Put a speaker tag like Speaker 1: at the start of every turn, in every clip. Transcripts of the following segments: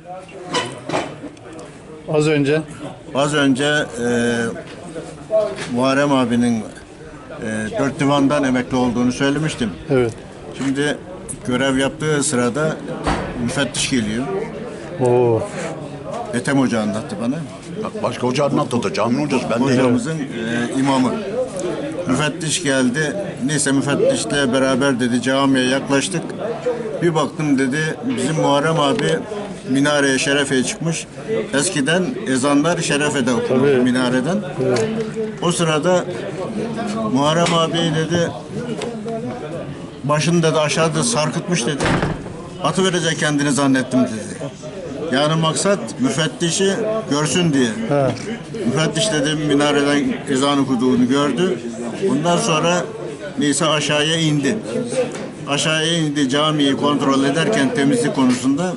Speaker 1: Az önce Muharrem abinin dört divandan emekli olduğunu söylemiştim.
Speaker 2: Evet.
Speaker 1: Şimdi görev yaptığı sırada müfettiş geliyor.
Speaker 2: Oo.
Speaker 1: Ethem Hoca anlattı bana.
Speaker 3: Başka hoca anlattı, cami hocası. Ben de
Speaker 1: Hocamızın imamı. Müfettiş geldi. Neyse müfettişle beraber dedi camiye yaklaştık. Bir baktım dedi bizim Muharrem abi minareye şerefeye çıkmış. Eskiden ezanlar şerefede okunur minareden. Evet. O sırada Muharrem abi dedi başını dedi aşağıda sarkıtmış dedi. Atıverecek kendini zannettim dedi. Yani maksat müfettişi görsün diye.
Speaker 2: Ha.
Speaker 1: Müfettiş dedim minareden ezan okuduğunu gördü. Ondan sonra neyse aşağıya indi. Aşağıya indi camiyi kontrol ederken temizlik konusunda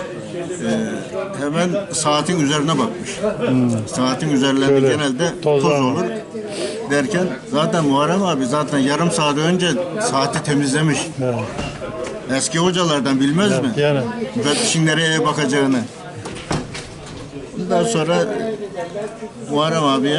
Speaker 1: hemen saatin üzerine bakmış. Saatin üzerlerinde
Speaker 2: Şöyle,
Speaker 1: genelde toz olur derken zaten Muharrem abi zaten yarım saat önce saati temizlemiş.
Speaker 2: Evet.
Speaker 1: Eski hocalardan bilmez mi?
Speaker 2: Yani.
Speaker 1: Müfettişin nereye bakacağını. Ondan sonra Muharrem abiye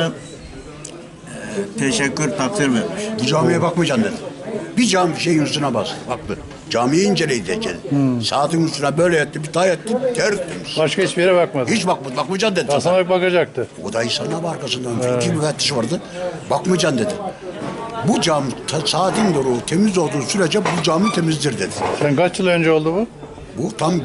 Speaker 1: teşekkür takdir vermiş.
Speaker 3: bu camiye bakmayacaksın dedi. Bir cami şeyin üstüne bas. Baktı. Camiyi inceleyeceksin. Saatin üstüne böyle etti, bir tay etti, tertemiz.
Speaker 2: Başka hiçbir yere bakmadı.
Speaker 3: Hiç bakmayacaksın dedi.
Speaker 2: Aslında bakacaktı.
Speaker 3: O da insanlar arkasından. İki müfettiş vardı. Bakmayacaksın dedi. Bu cami saatin doğru temiz olduğu sürece bu cami temizdir dedi.
Speaker 2: Sen kaç yıl önce oldu bu?
Speaker 3: Bu tam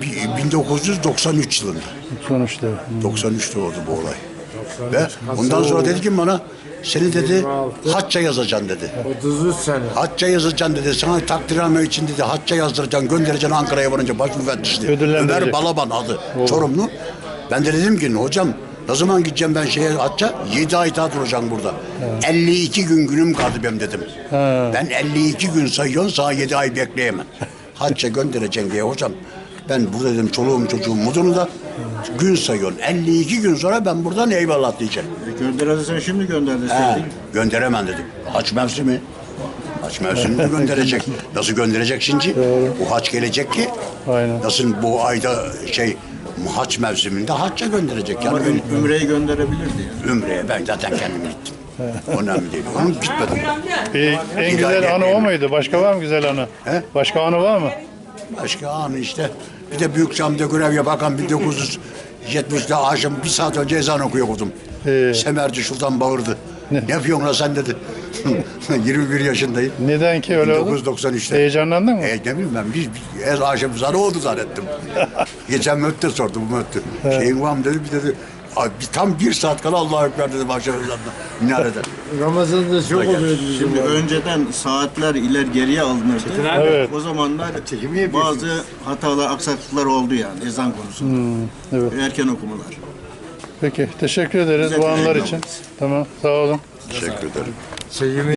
Speaker 3: 1993 yılında.
Speaker 2: Sonuçta.
Speaker 3: 93'te oldu bu olay. Ve ondan sonra dedi ki bana seni dedi hacca yazacaksın dedi.
Speaker 4: 33 sene.
Speaker 3: Hacca yazacaksın dedi. Sana takdirname için dedi hacca yazdıracaksın, göndereceksin Ankara'ya varınca baş müfettişti.
Speaker 2: Ödüllendirecek.
Speaker 3: Ömer Balaban adı. Çorumlu. Ben de dedim ki hocam ne zaman gideceğim ben şeye hacca? 7 ay daha duracağım burada. 52 gün günüm kaldı benim dedim. Ben 52 gün sayıyorum sana 7 ay bekleyemem. Hacca göndereceksin diye hocam. Ben burada dedim çoluğum çocuğum mudunu da gün sayıyorsun. 52 gün sonra ben buradan eyvallah diyeceğim.
Speaker 1: Gönderirsen şimdi gönder
Speaker 3: He,
Speaker 1: deseydin.
Speaker 3: gönderemem dedim. Haç mevsimi. Haç mevsimini gönderecek. Nasıl gönderecek şimdi? Bu haç gelecek ki.
Speaker 2: Aynen.
Speaker 3: Nasıl bu ayda haç mevsiminde hacca gönderecek.
Speaker 1: Ama
Speaker 3: Yani
Speaker 1: Ümre'yi gönderebilirdi yani.
Speaker 3: Ümre'ye ben zaten kendim gittim. Önemli değil. Onun gitmedim.
Speaker 2: En güzel anı o muydu? Başka var mı güzel anı?
Speaker 3: He?
Speaker 2: Başka anı var mı?
Speaker 3: Başka anı işte. Bir de Büyük Cami'de görev yaparken 1970'de akşam bir saat önce ezan okuyordum. Semerci şuradan bağırdı. Ne yapıyorsun lan sen dedi. 21 yaşındayım.
Speaker 2: Neden ki öyle oldu?
Speaker 3: 1993'te.
Speaker 2: Heyecanlandın mı?
Speaker 3: Ne bileyim ben bir akşam ezanı oldu zannettim. Geçen müftü sordu bu müftü. Şeyin var mı dedi bir dedi. Tam bir saat kala Allahu Ekber dedim akşam ezanında. Minareden.
Speaker 4: Ramazan'da çok oluyordu bizim.
Speaker 1: Şimdi önceden saatler geriye alınırdı.
Speaker 2: Evet.
Speaker 1: O zamanlar bazı hatalar, aksaklıklar oldu yani ezan konusunda.
Speaker 2: Evet.
Speaker 1: Erken okumalar.
Speaker 2: Peki teşekkür ederiz
Speaker 1: Bize
Speaker 2: bu anlar
Speaker 1: teşekkür
Speaker 2: için.
Speaker 1: ederiz.
Speaker 2: Tamam sağ olun.
Speaker 3: Teşekkür ederim.
Speaker 4: Çekimi